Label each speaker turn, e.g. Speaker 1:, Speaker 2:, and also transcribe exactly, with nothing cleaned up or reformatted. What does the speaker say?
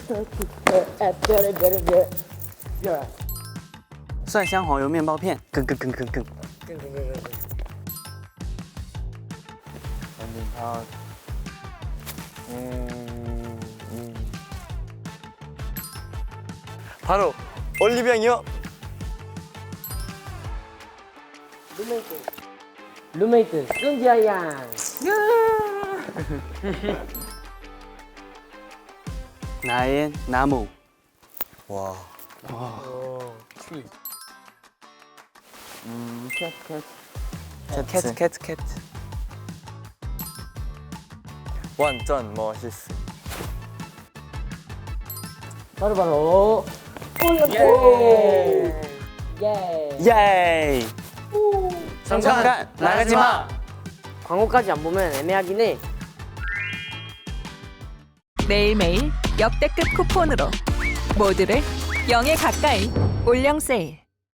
Speaker 1: 蒜香黄油面包片，更更更更更。
Speaker 2: 완전 다. 음, 음. 바로 올리병이요.
Speaker 3: 룸메이트 룸메이트 승지아 양
Speaker 1: 나의 나무.
Speaker 2: 와.
Speaker 1: 음, 캣, 캣.
Speaker 2: 캣츠.
Speaker 1: 캣, 캣, 캣.
Speaker 2: 완전 멋있어.
Speaker 3: 바로바로 올렸어 예
Speaker 1: 예이.
Speaker 2: 잠깐 나가지 마.
Speaker 3: 광고까지 안 보면 애매하긴 해.
Speaker 4: 매일매일 역대급 쿠폰으로 모두를 영에 가까이 올영 세일.